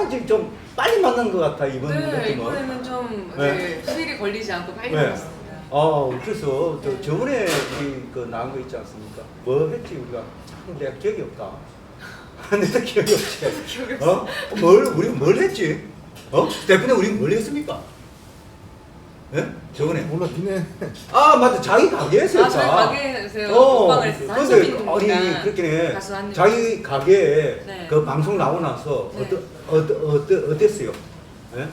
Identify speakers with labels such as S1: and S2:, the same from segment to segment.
S1: 지금 좀 빨리 만난 것 같아 이번
S2: 네,
S1: 느낌은.
S2: 이번에는 좀
S1: 네.
S2: 수일이 걸리지 않고 빨리
S1: 네.
S2: 나왔습니다.
S1: 그래서 저번에 우리 그 나온 거 있지 않습니까? 뭐 했지 우리가? 참 내가 기억이 없다. 내가 기억이 없지.
S2: 기억이 없어.
S1: 우리 뭘 했지? 대표님 우리 뭘 했습니까? 예? 저번에.
S3: 몰라 니네.
S1: 맞다. 자기 가게에서 했다.
S2: 저희 가게에서요. 먹방을 했어요. 한소빈
S1: 근데
S2: 군이랑
S1: 그렇긴 해.
S2: 가수 한입.
S1: 자기 가게에
S2: 네.
S1: 그 방송 나오고 나서
S2: 네.
S1: 어땠어요? 예?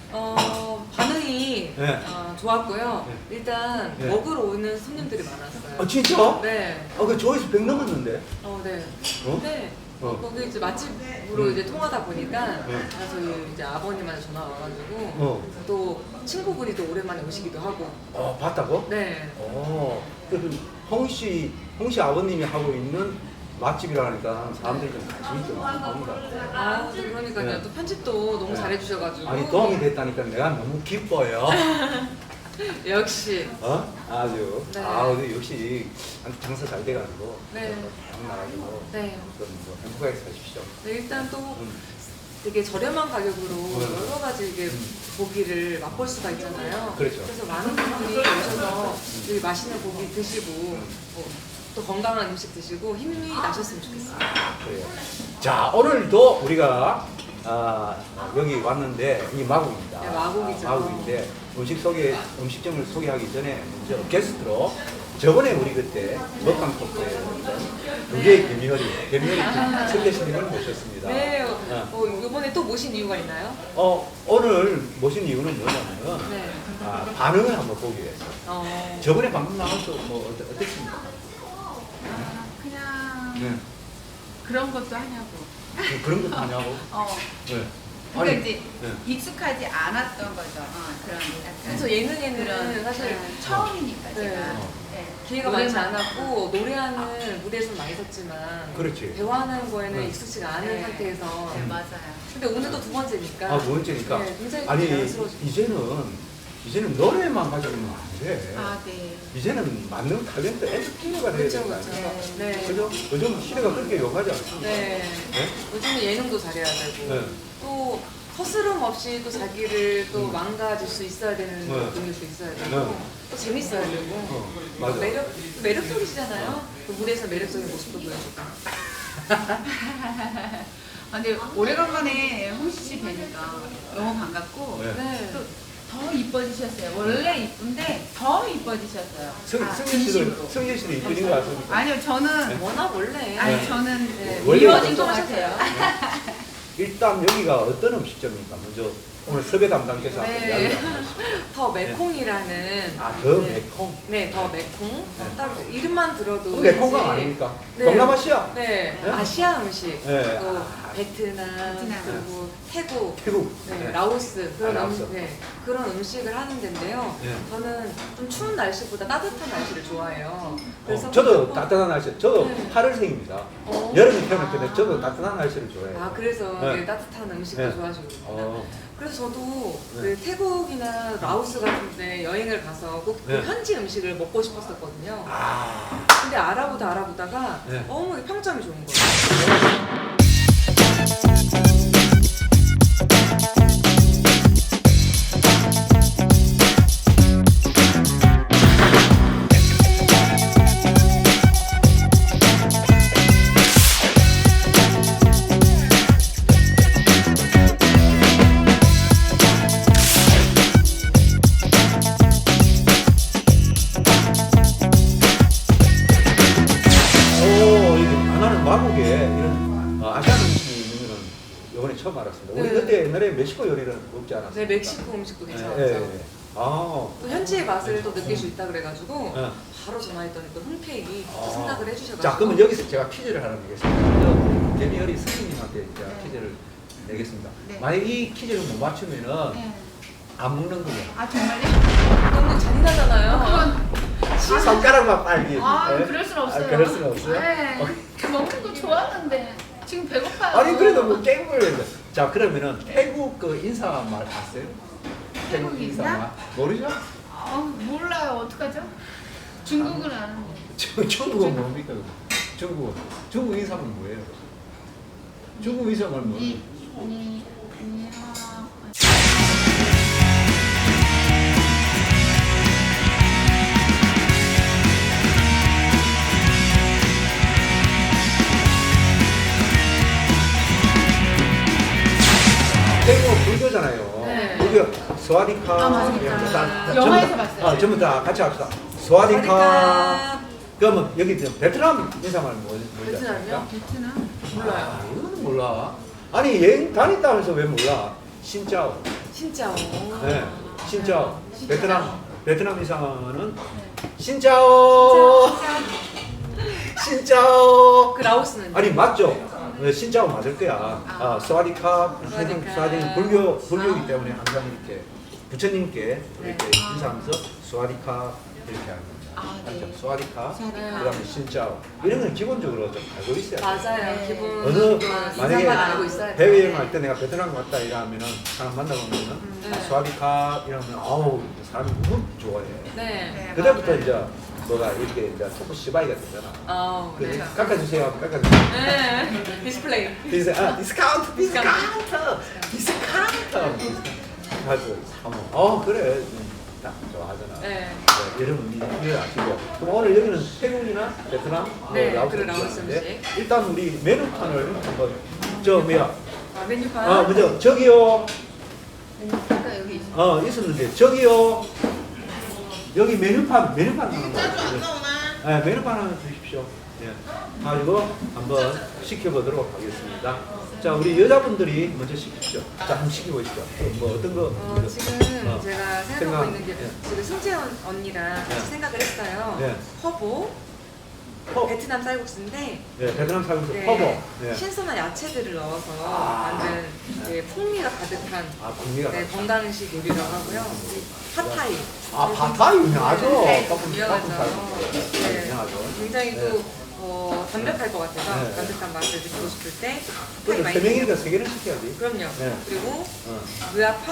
S2: 반응이
S1: 네.
S2: 좋았고요.
S1: 네.
S2: 일단
S1: 네.
S2: 먹으러 오는 손님들이 많았어요.
S1: 진짜?
S2: 네.
S1: 그 조회수 100 넘었는데?
S2: 네.
S1: 어?
S2: 네.
S1: 어.
S2: 거기 이제 맛집으로 이제 통하다 보니까
S1: 네.
S2: 저희 이제 아버님한테 전화 와가지고 또 친구분이 또 오랜만에 오시기도 하고.
S1: 봤다고?
S2: 네.
S1: 그래서 홍씨 아버님이 하고 있는 맛집이라니까 사람들이 좀 관심이 좀 많습니다.
S2: 그러니까요.
S1: 네.
S2: 또 편집도 너무
S1: 네.
S2: 잘해주셔가지고.
S1: 아니 도움이 됐다니까 내가 너무 기뻐요.
S2: 역시.
S1: 아주.
S2: 네.
S1: 역시 장사 잘 돼가지고.
S2: 네.
S1: 잘 나가지고.
S2: 네.
S1: 뭐 행복하게 사십시오.
S2: 네, 일단 또 되게 저렴한 가격으로 여러 가지 이게 고기를 맛볼 수가 있잖아요.
S1: 그렇죠.
S2: 그래서 많은 분들이 오셔서 여기 맛있는 고기 드시고 또 건강한 음식 드시고 힘이 나셨으면 좋겠습니다.
S1: 그래요. 자, 오늘도 우리가 여기 왔는데 이 마곡입니다.
S2: 네, 마곡이죠.
S1: 마곡인데 음식점을 소개하기 전에 먼저 게스트로 저번에 우리 그때 먹방 토크에 두개의 개미허리 설계신님을 모셨습니다.
S2: 네, 이번에 또 모신 이유가 있나요?
S1: 오늘 모신 이유는 뭐냐면
S2: 네.
S1: 반응을 한번 보기 위해서. 저번에 방금 나와서 뭐 어땠습니까?
S4: 그냥
S1: 네.
S4: 그런 것도 하냐고.
S1: 그런 것도 하냐고? 네.
S4: 그러니까 이제
S1: 네.
S4: 익숙하지 않았던 거죠. 그런 약간
S2: 그래서 예능에는
S4: 그런
S2: 사실
S4: 처음이니까
S2: 네.
S4: 제가
S2: 기회가 많지 않았고 노래하는 무대에서는 많이 섰지만
S1: 그렇지.
S2: 대화하는 거에는
S1: 네.
S2: 익숙지가 않은
S4: 네.
S2: 상태에서
S4: 네, 맞아요.
S2: 근데 오늘도 두 번째니까
S1: 두 번째니까.
S2: 네, 굉장히
S1: 아니
S2: 자연스러워지고.
S1: 이제는 노래만 가지고는 안 돼.
S4: 네.
S1: 이제는 맞는 탤런트 엔터테이너가 돼야
S2: 그렇죠,
S1: 된다.
S2: 그렇죠. 네.
S1: 그죠? 요즘 시대가 그렇게 요구하지 않습니까?
S2: 네.
S1: 네?
S2: 요즘은 예능도 잘해야 되고
S1: 네.
S2: 또 허스름 없이 또 자기를 또 망가질 수 있어야 되는 분일 수 있어야 되고
S1: 네.
S2: 또 재밌어야 되고
S1: 맞아.
S2: 매력적이시잖아요. 그 무대에서 매력적인 모습도 보여주고.
S4: 근데 오래간만에 홍시 씨 뵈니까 너무 반갑고
S1: 네.
S2: 네.
S4: 또 더 이뻐지셨어요. 원래 이쁜데 더 이뻐지셨어요. 진심으로.
S1: 승진 씨는 이쁜인 것 같습니까?
S4: 아니요, 저는
S2: 워낙 원래
S4: 아니
S1: 네.
S4: 저는
S2: 네.
S1: 원래
S4: 미워진 것
S2: 걱정하셨어요.
S4: 같아요.
S1: 일단 여기가 어떤 음식점입니까? 먼저 오늘 섭외 담당께서 한번
S2: 네.
S1: 이야기 한번 해주시죠.
S2: 더 매콩이라는
S1: 더
S2: 네.
S1: 매콩?
S2: 네, 더 매콩. 딱 이름만 들어도
S1: 그 매콩강
S2: 왠지-
S1: 아닙니까?
S2: 네.
S1: 동남아시아?
S2: 네,
S1: 네?
S2: 아시아 음식.
S1: 네.
S2: 또 베트남,
S4: 베트남.
S2: 그리고 태국,
S1: 태국.
S2: 네,
S1: 네.
S2: 라오스 그런
S1: 라오스.
S2: 그런 음식을 하는 데인데요.
S1: 네.
S2: 저는 좀 추운 날씨보다 따뜻한 날씨를 좋아해요. 그래서
S1: 저도
S2: 무조건-
S1: 따뜻한 날씨, 저도
S2: 네.
S1: 8월생입니다.
S2: 어.
S1: 여름에 태어났는데 저도 따뜻한 날씨를 좋아해요.
S2: 그래서
S1: 네.
S2: 네, 따뜻한 음식도
S1: 네.
S2: 좋아하시는구나.
S1: 어.
S2: 그래서 저도
S1: 네.
S2: 그 태국이나 라오스 같은 데 여행을 가서 꼭 그
S1: 네.
S2: 현지 음식을 먹고 싶었었거든요.
S1: 아.
S2: 근데 알아보다가
S1: 네.
S2: 너무 평점이 좋은 거예요.
S1: 나는 마곡에 이런 아시안 음식이 있는 거는 이번에 처음 알았습니다. 우리
S2: 네.
S1: 그때 옛날에 멕시코 요리를 먹지 않았어요?
S2: 네, 멕시코 음식도 괜찮았죠.
S1: 네.
S2: 또 현지의 맛을 또 느낄 수 있다 그래가지고
S1: 네.
S2: 바로 전화했더니 또 흔쾌히 또 생각을 해주셔가지고.
S1: 자, 그러면 여기서 제가 퀴즈를 하나 내겠습니다. 데미어리 선생님한테 제가 퀴즈를 내겠습니다.
S4: 네.
S1: 만약 이 퀴즈를 못 맞추면은
S4: 네.
S1: 안 먹는 거예요.
S4: 정말요?
S2: 너무 잔인하잖아요.
S4: 그건
S1: 손가락만 빨리.
S4: 그럴 순 없어요.
S1: 그럴 순 없어요?
S4: 네. 먹는 거 좋아하는데 지금 배고파요.
S1: 아니 그래도 뭐 게임을 해야 돼. 자, 그러면은 태국 그 인사말 아세요? 태국
S4: 태국
S1: 인사말
S4: 인사?
S1: 모르죠?
S4: 몰라요. 어떡하죠? 중국은 아는데.
S1: 중국은 뭡니까? 중국 인사말 뭐예요? 중국 인사말 뭐예요? 태국은 불교잖아요.
S2: 네.
S1: 불교 스와디카.
S4: 아, 맞아.
S1: 이런 거 다
S4: 영화에서
S1: 전부 다-
S4: 봤어요.
S1: 전부 다 같이 합시다. 스와디카. 그러면 여기 저 베트남 인사말 뭔지
S2: 베트남이요?
S4: 베트남?
S2: 몰라요.
S1: 이거는 몰라. 아니 여행 다녔다면서 왜 몰라? 신짜오.
S2: 진짜.
S1: 네, 신짜오. 베트남 인사는 신짜오. 신짜오.
S2: 그 라오스는
S1: 아니 맞죠? 네, 신짜오 맞을 거야. 스와디캅, 항상 스와디는 불교이기 때문에 항상 이렇게 부처님께 이렇게 인사하면서 스와디캅 이렇게 하는 거죠.
S4: 네.
S1: 스와디캅,
S4: 스와디캅.
S1: 그다음에 신짜오 이런 건 기본적으로 좀 알고 있어야 돼.
S2: 맞아요.
S4: 네.
S2: 기본
S1: 어느 만약에
S2: 인사만 알고 있어야 돼.
S1: 해외 여행 갈 때 내가 베트남 갔다 이러면은 사람 만나보면은
S2: 네.
S1: 스와디캅 이러면 아우 사람이 너무 좋아해.
S2: 네.
S1: 그때부터 이제 뭐가 이렇게 이제 토크 시바이가 되잖아.
S2: 아,
S1: 그래,
S2: 그렇죠.
S1: 깎아주세요, 깎아주세요.
S2: 네. 디스플레이.
S1: 디스카운트. 가서 한번 그래 딱 좋아하잖아.
S2: 네.
S1: 여러분 이해 아시고 그럼 오늘 여기는 태국이나 베트남,
S2: 네,
S1: 라오스
S2: 그래, 라오스
S1: 음식인데
S2: 음식.
S1: 일단 우리 메뉴판을 한번 저 뭐야
S2: 메뉴판.
S1: 먼저 저기요
S4: 아까 여기 있어.
S1: 있었는데 저기요 여기 메뉴판 하는 거 네, 메뉴판 하나 주십시오. 예. 가지고 한번 시켜보도록 하겠습니다. 자, 우리 여자분들이 먼저 시키시죠. 자, 한번 시켜보시죠. 뭐 어떤 거?
S2: 지금
S1: 어,
S2: 제가 생각하고
S1: 생각,
S2: 있는 게
S1: 예.
S2: 지금 승채원 언니랑 같이
S1: 예.
S2: 생각을 했어요.
S1: 예.
S2: 허보,
S1: 허,
S2: 베트남 쌀국수인데
S1: 예, 베트남 살면서
S2: 네,
S1: 허버. 예.
S2: 신선한 야채들을 넣어서
S1: 아.
S2: 만든 이제 풍미가 가득한
S1: 풍미가.
S2: 네, 건강식 요리라고 하고요. 팟타이.
S1: 바타 유명하죠.
S2: 네,
S1: 깎은
S2: 유명하죠.
S1: 살국수.
S2: 네,
S1: 유명하죠.
S2: 굉장히
S1: 네.
S2: 또 담백할 것 같아서
S1: 네.
S2: 담백한 맛을 느끼고 싶을 때 팟타이
S1: 그래서
S2: 많이
S1: 세 명이니까 세 개는 시켜야지.
S2: 그럼요.
S1: 네.
S2: 그리고
S1: 어.
S2: 무아팟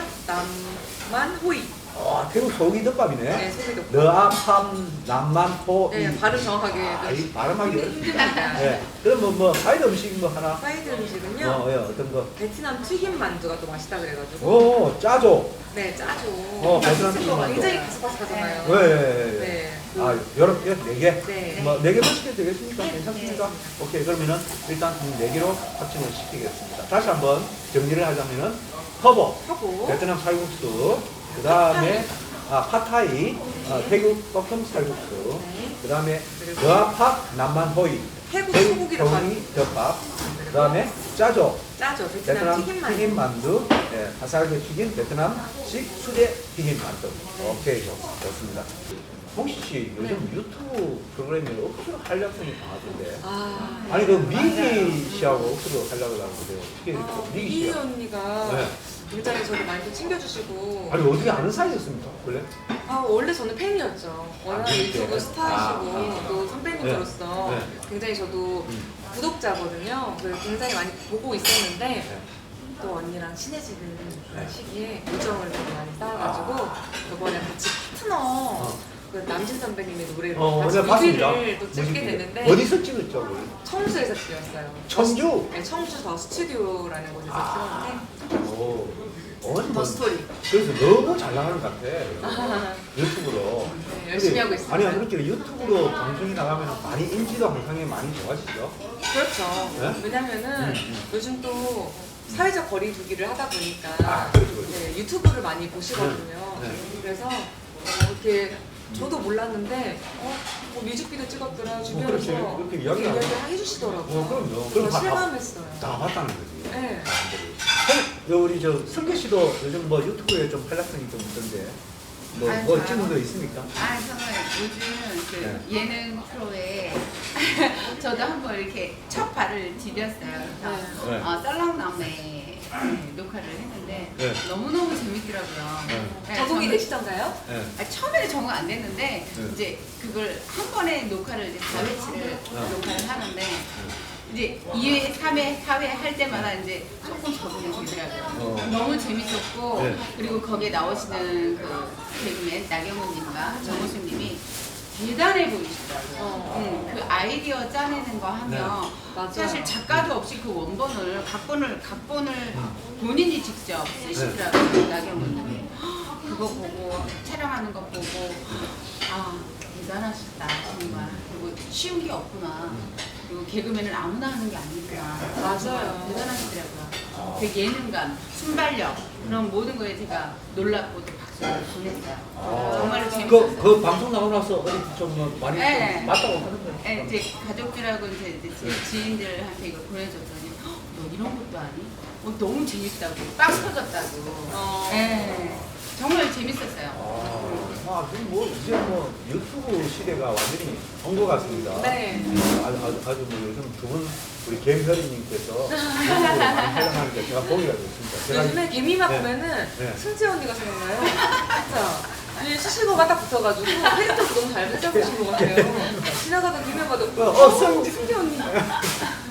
S2: 남만 호이.
S1: 태국 소고기 덮밥이네.
S2: 네, 소고기 덮밥.
S1: 너아팜 남만포.
S2: 네, 발음 정확하게
S1: 이 발음하기
S2: 힘듭니다.
S1: 네. 그럼 뭐 사이드 음식 뭐 하나.
S2: 사이드 음식은요.
S1: 어떤 거?
S2: 베트남 튀김 만두가 또 맛있다 그래가지고.
S1: 오, 짜조.
S2: 네, 짜죠.
S1: 베트남
S2: 맛있을
S1: 튀김
S2: 거
S1: 만두.
S2: 굉장히 바삭바삭하잖아요.
S1: 네.
S2: 네.
S1: 여러 개, 네 개?
S2: 네.
S1: 뭐, 네 개만 시켜도 되겠습니까?
S2: 네,
S1: 괜찮습니까?
S2: 네.
S1: 오케이, 그러면은 일단 네 개로 확정을 시키겠습니다. 다시 한번 정리를 하자면은, 허버,
S2: 하고
S1: 베트남 살국수, 그 다음에, 팟타이, 태국 볶음 살국수,
S2: 네.
S1: 그 다음에,
S2: 그리고
S1: 너아팍 남만호이,
S2: 태국 소고기 덮밥.
S1: 덮밥, 그 다음에, 짜조,
S2: 짜죠. 베트남 튀김 만두.
S1: 튀김 만두, 예, 바삭하게 튀긴 베트남식 수제 튀김 만두. 오케이, 좋습니다. 홍시 씨 요즘 유튜브 프로그램이 억수로 활약성이 강하던데. 아니 그 미기 씨하고 억수로 활약을 하는데 어떻게 미기
S2: 이
S1: 씨야?
S2: 언니가
S1: 네.
S2: 굉장히 저를 많이 또 챙겨주시고.
S1: 아니 어떻게 아는 사이였습니까 원래?
S2: 원래 저는 팬이었죠. 워낙
S1: 그렇게?
S2: 유튜브 스타시고
S1: 아.
S2: 또 선배님으로서
S1: 네.
S2: 굉장히 저도 구독자거든요. 그래서 굉장히 많이 보고 있었는데
S1: 네.
S2: 또 언니랑 친해지는 그런
S1: 네.
S2: 시기에 우정을 되게 많이 쌓아가지고 이번에 같이 파트너 그 남진 선배님의 노래를 같이
S1: 네, 봤습니다.
S2: 뮤비를 또 찍게
S1: 뮤직비디오.
S2: 되는데
S1: 어디서 찍었죠? 우리?
S2: 청주에서 찍었어요.
S1: 청주?
S2: 네, 청주 더 스튜디오라는 곳에서 찍었는데
S1: 오.
S2: 더 스토리.
S1: 그래서 너무 잘 나가는 것 같아. 유튜브로.
S2: 네, 열심히 하고 있습니다.
S1: 아니 그렇게 유튜브로 방송이 나가면 많이 인지도 항상 많이 좋아지죠.
S2: 그렇죠.
S1: 네?
S2: 왜냐면은 요즘 또 사회적 거리 두기를 하다 보니까
S1: 그렇죠.
S2: 네, 유튜브를 많이 보시거든요.
S1: 네.
S2: 그래서 이렇게 저도 몰랐는데 뭐 뮤직비디오 찍었더라 주변에서
S1: 그렇지. 그렇게 이야기하고.
S2: 이야기를 해주시더라고요.
S1: 그럼요.
S2: 그래서
S1: 다
S2: 실감했어요.
S1: 봤다는 거지.
S2: 네.
S1: 우리 저 성계 씨도 요즘 뭐 유튜브에 좀 활약성이 좀 있던데 뭐
S4: 저요?
S1: 찍은 거 있습니까?
S4: 저는 요즘 그
S1: 네.
S4: 예능 프로에 저도 한번 이렇게 첫 발을 디뎠어요. 그래서
S1: 네.
S4: 썰렁남매 녹화를 했는데
S1: 네.
S4: 너무너무 재밌더라고요. 네,
S2: 적응이
S4: 저는-
S2: 되시던가요?
S1: 네.
S4: 처음에는 적응 안 됐는데
S1: 네.
S4: 이제 그걸 한 번에 녹화를 이제 4회치를 녹화를 하는데 이제 2회, 3회, 4회 할 때마다 이제 조금 적응이 되더라고요. 너무 재밌었고
S1: 네.
S4: 그리고 거기에 나오시는 그 개그맨 나경원님과 정호수님이 대단해 보이시더라고요. 그 아이디어 짜내는 거 하면
S2: 맞아요.
S4: 사실 작가도 없이 그 원본을 각본을 본인이 직접 쓰시더라고요. 나경원님이 그거 보고 촬영하는 거 보고 대단하시다 정말. 그리고 쉬운 게 없구나. 그리고 개그맨은 아무나 하는 게 아니구나.
S2: 맞아요.
S4: 대단하시더라고요. 그 예능감, 순발력 그런 모든 거에 제가 놀랍고 또 박수를 보냈어요. 정말로 재밌었어요.
S1: 그 방송 나오고 나서 어디 좀 많이
S4: 네.
S1: 좀 맞다고 하는 거예요.
S4: 네, 이제 가족들하고 이제 제 지인들한테 이걸 보내줬더니 너 이런 것도 아니? 너무 재밌다고 빵 터졌다고. 네, 정말 재밌었어요.
S1: 지금 뭐 이제 뭐 유튜브 시대가 완전히 온 것 같습니다.
S2: 네.
S1: 아주 뭐 요즘 두 분 우리 김설이님께서 유튜브로 많이 활용하는 게 제가 보기가 좋습니다. 제가
S2: 요즘에 개미막
S1: 네.
S2: 보면은
S1: 네.
S2: 승재 언니가 생각나요. 진짜. 이 수식어가 딱 붙어가지고 캐릭터도 너무 잘 잡으신 것 같아요. 지나가던 김에 봐도
S1: 승재.
S2: 승재 언니.